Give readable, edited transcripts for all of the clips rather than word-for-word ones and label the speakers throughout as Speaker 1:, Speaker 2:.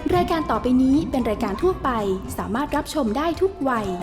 Speaker 1: รายการต่อไปนี้เป็นรายการทั่วไปสามารถรับชมได้ทุกวัย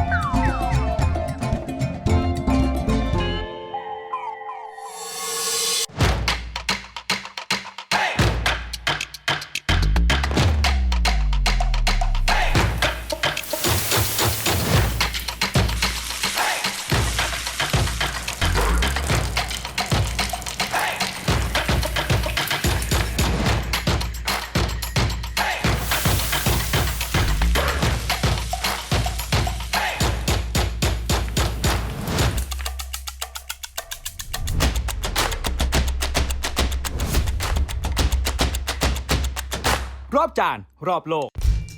Speaker 2: รอบจานรอบโลก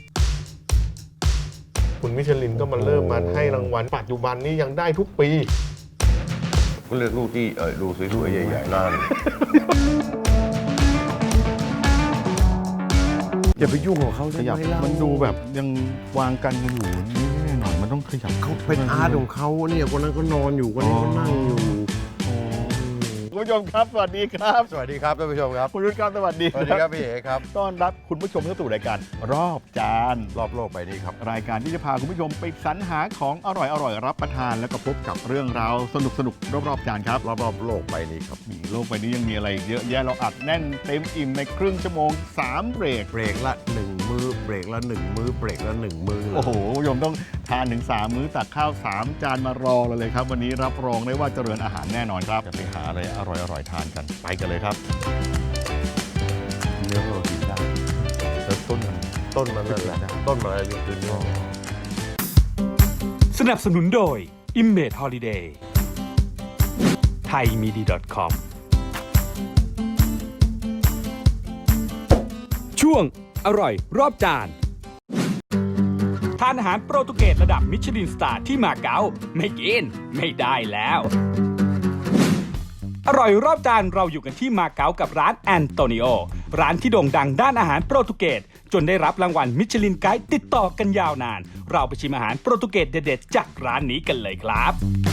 Speaker 3: คุณมิชลินก็มาเริ่มมาให้รางวัลปัจจุบันนี้ยังได้ทุกปี
Speaker 4: ก็เลือกลูกที่ดูสวยๆใหญ่ๆนั่นอย่าไปยุ่งกับเขา
Speaker 5: ขยับมันดูแบบยังวางกันกันอยู่นี่แน่หน่อยมันต้องขยับ
Speaker 4: เขาเป็นอาร์ตของเขาเนี่ยคนนั้นก็นอนอยู่คนนี้ก็นั่งอยู่
Speaker 3: คุณผู้ชมครับสวัสดีครับ
Speaker 4: สวัสดีครับท่านผู้ชมครับ
Speaker 3: คุณรุ่นครับสวัสดี
Speaker 4: สวัสดีครับพี่เอ๋ครับ
Speaker 3: ต้อนรับคุณผู้ชมเข้าสู่รายการรอบจาน
Speaker 4: รอบโลกไปนี้ครับ
Speaker 5: รายการที่จะพาคุณผู้ชมไปสรรหาของอร่อยรับประทานแล้วก็พบกับเรื่องราวสนุกรอบจานครับ
Speaker 4: รอบโลกไปนี้ครับ
Speaker 5: มีโลกใบนี้ยังมีอะไรเยอะแยะเราอัดแน่นเต็มอิ่มในครึ่งชั่วโมง3เบรก
Speaker 4: เบรกละ1มื้อเบรกละ1มื้อเบรกละ1มื้อ
Speaker 5: โอ้โหคุณผู้ชมต้องทานถึง3มื้อตักข้าว3จานมารอเลยครับวันนี้รับรองได้ว่าเจริญอาหารแน่นอนครับจะไปหาอะไรอร่อยทานกันไปกันเลยครับ
Speaker 4: เนื้อเรากินได้
Speaker 5: แล้วต้นมัน
Speaker 4: ต้นมันนั่นแหละต้นมันอะไรคือเนื้อ
Speaker 2: สนับสนุนโดย Image Holiday thaimidi.com ช่วงอร่อยรอบจานทานอาหารโปรตุเกสระดับมิชลินสตาร์ที่มาเก๊าไม่กินไม่ได้แล้วอร่อยรอบจานเราอยู่กันที่มาเก๊ากับร้านแอนโตนิโอร้านที่โด่งดังด้านอาหารโปรตุเกสจนได้รับรางวัลมิชลินไกด์ติดต่อกันยาวนานเราไปชิมอาหารโปรตุเกสเด็ดๆจากร้านนี้กันเลยครับ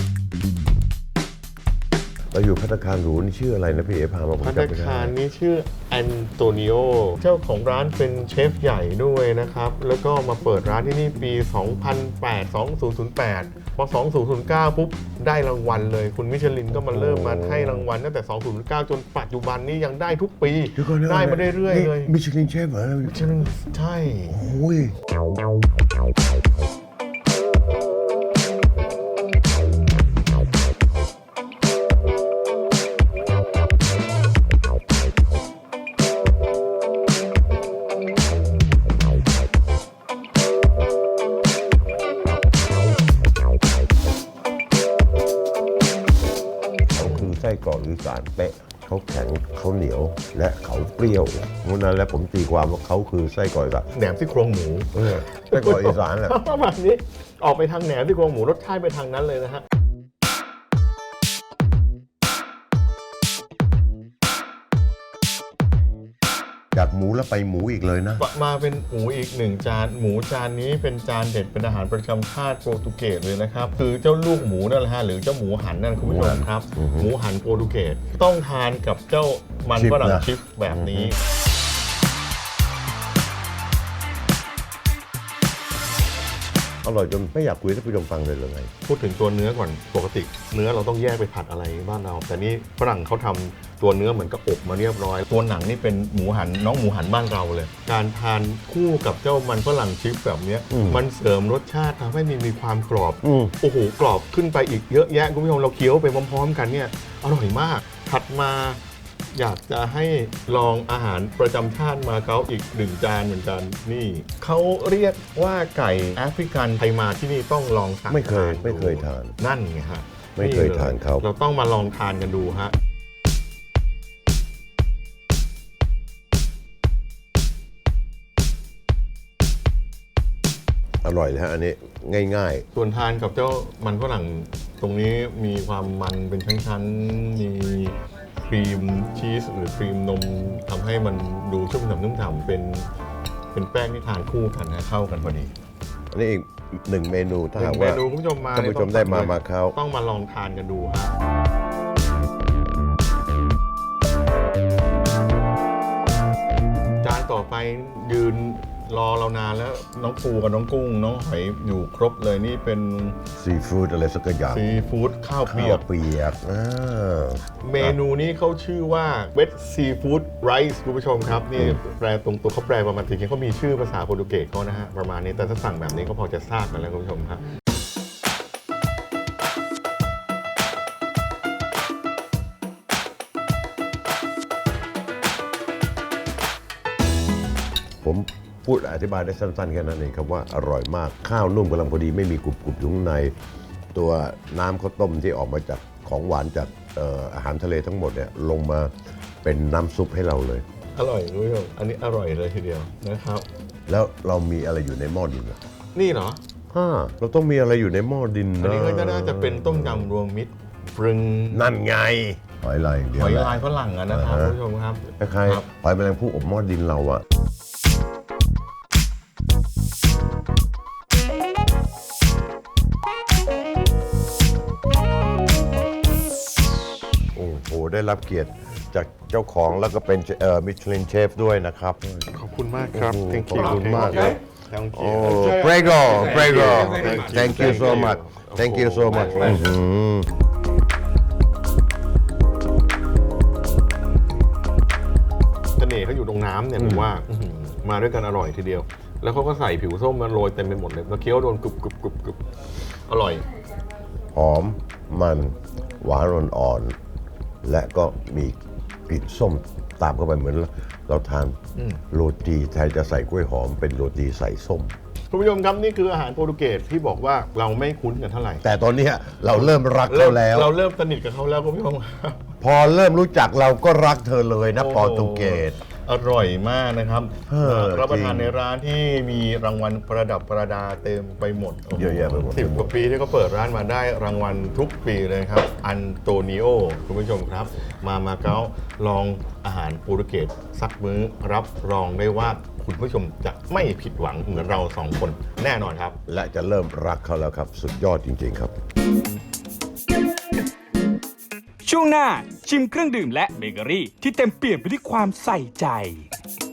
Speaker 4: เราอยู่ภัตตาคารหรูนี่ชื่ออะไรนะพี่เอ๋พามาผม
Speaker 3: ภัต
Speaker 4: จำ
Speaker 3: ตา
Speaker 4: ไม่ได้
Speaker 3: คารนี้ชื่อแอนโตนิโอเจ้าของร้านเป็นเชฟใหญ่ด้วยนะครับแล้วก็มาเปิดร้านที่นี่ปี 2008 พอ 2009 ปุ๊บได้รางวัลเลยคุณมิชลินก็มาเริ่มมาให้รางวัลตั้งแต่ 2009 จนปัจจุบันนี้ยังได้ทุกปี ได้มาเรื่อยๆเลย
Speaker 4: มิชลินเชฟเหรอ
Speaker 3: มิชลินใช่
Speaker 4: โอ้ย เขาคือไส้กรอกอีสานเป๊ะเขาแข็งเขาเหนียวและเขาเปรี้ยวเพราะนั้นแล้วผมตีความว่าเขาคือไส้กรอกอีสาน
Speaker 3: แหนมซี่โครงหมู
Speaker 4: ไส้กรอกอีสานแหละ
Speaker 3: ประมาณนี้ออกไปทางแหนมซี่โครงหมูรสชาติไปทางนั้นเลยนะฮะ
Speaker 4: จากหมูแล้วไปหมูอีกเลยนะ
Speaker 3: มาเป็นหมูอีกหนึ่งจานหมูจานนี้เป็นจานเด็ดเป็นอาหารประจำชาติโปรตุเกสเลยนะครับคือเจ้าลูกหมูนั่นแหละฮะหรือเจ้าหมูหันนั่นคุณผู้ชมครับ หมูหันโปรตุเกสต้องทานกับเจ้ามันฝรั่งชิปแบบนี้
Speaker 4: อร่อยจนไม่อยากคุยให้ท่านผู้ชมฟังเลยหรือไง
Speaker 3: พูดถึงตัวเนื้อก่อนปกติเนื้อเราต้องแยกไปผัดอะไรบ้านเราแต่นี่ฝรั่งเขาทำตัวเนื้อเหมือนกับอบมาเรียบร้อยตัวหนังนี่เป็นหมูหันน้องหมูหันบ้านเราเลย การทานคู่กับเจ้ามันฝรั่งชิปแบบนี้มันเสริมรสชาติทำให้มีความกรอบโอ้โหกรอบขึ้นไปอีกเยอะแยะคุณผู้ชมเราเคี้ยวไปพร้อมๆกันเนี่ยอร่อยมากถัดมาอยากจะให้ลองอาหารประจำชาติมาเก๊าอีกหนึ่งจานเหมือนกันนี่เขาเรียกว่าไก่แอฟริกันใครมาที่นี่ต้องลองสั่ง
Speaker 4: ไม่เคย
Speaker 3: ดู
Speaker 4: ไม่เคยทาน
Speaker 3: นั่นไงฮะ
Speaker 4: ไม่เคยทานเขา
Speaker 3: เราต้องมาลองทานกันดูฮะ
Speaker 4: อร่อยเลยฮะอันนี้ง่าย
Speaker 3: ส่วนทานกับเจ้ามันฝรั่งตรงนี้มีความมันเป็นชั้นๆมีครีมชีสหรือครีมนมทำให้มันดูชุ่มฉ่ำนุ่มฉ่ำเป็นแป้งที่ทานคู่กันนะเข้ากันพอดี
Speaker 4: ๆอันนี้อีกหนึ่งเมนูถ้า
Speaker 3: หนึ่
Speaker 4: หาก
Speaker 3: งเม
Speaker 4: ว่า
Speaker 3: นูคุณผู้ชมมา
Speaker 4: ท่านผู้ชมได้มาเก๊า
Speaker 3: ต้องมาลองทานกันดูฮะจานต่อไปยืนรอเรานานแล้วน้องปูกับน้องกุ้งน้องหอยอยู่ครบเลยนี่เป็น
Speaker 4: ซีฟู้ดอะไรสักอย่าง
Speaker 3: ซีฟู้ดข้าวเปี
Speaker 4: ข้า
Speaker 3: ยว ก
Speaker 4: เปียก
Speaker 3: เมนูนี้เขาชื่อว่าเว t ซีฟู้ดไรซ์คุณผู้ชมครับนี่แปลตรงตัวเขาแปลประมาณจริงๆเขามีชื่อภาษาโปรตุเกสเขานะฮะประมาณนี้แต่ถ้าสั่งแบบนี้ก็พอจะทราบกันแล้วคุณผู้ชมครับ
Speaker 4: ผมพูดอธิบายได้สั้นๆแค่นั้นเองครับว่าอร่อยมากข้าวนุ่มกำลังพอดีไม่มีกรุบๆอยู่ข้างใน ตัวน้ำข้าวต้มที่ออกมาจากของหวานจากอาหารทะเลทั้งหมดเนี่ยลงมาเป็นน้ำซุปให้เราเลย
Speaker 3: อร่อยคุณผู้ชมอันนี้อร่อยเลยทีเดียวนะครับ
Speaker 4: แล้วเรามีอะไรอยู่ในหม้อดินอะ
Speaker 3: นี่เหรอ
Speaker 4: เราต้องมีอะไรอยู่ในหม้อดิน
Speaker 3: อัน
Speaker 4: นะ
Speaker 3: นี้ก็น่าจะเป็นต้มยำรวมมิตรปรึง
Speaker 4: นั่นไงหอยลายอย่างเดีย
Speaker 3: ห
Speaker 4: ว
Speaker 3: อย
Speaker 4: แหละ
Speaker 3: ลายฝรั่งอะนะครับคุณผู้ชมครับ
Speaker 4: คล้าย
Speaker 3: ครับ
Speaker 4: ๆหอยแมลงภู่อบหม้อดินเราอะโอ้โหได้รับเกียรติจากเจ้าของแล้วก็เป็นมิชลินเชฟด้วยนะครับ
Speaker 3: ขอบคุณมากครับ
Speaker 4: โอ้โห
Speaker 3: Thank
Speaker 4: ขอบ
Speaker 3: you
Speaker 4: คุณมากเลย
Speaker 3: Thank
Speaker 4: โอ้
Speaker 3: you
Speaker 4: prego prego
Speaker 3: Thank you.
Speaker 4: thank you so much thank you so much อื้อหือ
Speaker 3: เสน่ห์เขาอยู่ตรงน้ำเนี่ยผมว่าอื้อหือมาด้วยกันอร่อยทีเดียว แล้วเขาก็ใส่ผิวส้มมาโรยเต็มไปหมดเลยแล้วเคี้ยวโดนกรุบกรุบกรุบกรุบอร่อย
Speaker 4: หอมมันหวานอ่อนๆและก็มีกลิ่นส้มตามเข้าไปเหมือนเราทานโรตีแทนจะใส่กล้วยหอมเป็นโรตีใส่ส้ม
Speaker 3: คุณผู้ชมครับนี่คืออาหารโปรตุเกสที่บอกว่าเราไม่คุ้นกันเท่าไหร่
Speaker 4: แต่ตอนเนี้ยเราเริ่มรักเขาแล้ว
Speaker 3: เราเริ่มสนิทกับเขาแล้วคุณผู้ชมครับ
Speaker 4: พอเริ่มรู้จักเราก็รักเธอเลยนะ
Speaker 3: โอ้
Speaker 4: โปรตุเกส
Speaker 3: อร่อยมากนะครับ รับประทาน
Speaker 4: จริง
Speaker 3: ในร้านที่มีรางวัลประดับประดาเต็มไปหมด
Speaker 4: เยอะแยะไปหมด
Speaker 3: 10 กว่าปีที่เขาเปิดร้านมาได้รางวัลทุกปีเลยครับอันโตนิโอคุณผู้ชมครับ มาเก๊าลองอาหารโปรตุเกสสักมื้อรับรองได้ว่าคุณผู้ชมจะไม่ผิดหวังเหมือนเราสองคนแน่นอนครับ
Speaker 4: และจะเริ่มรักเขาแล้วครับ สุดยอดจริง ๆ ครับ
Speaker 2: ช่วงหน้าชิมเครื่องดื่มและเบเกอรี่ที่เต็มเปี่ยมไปด้วยความใส่ใจ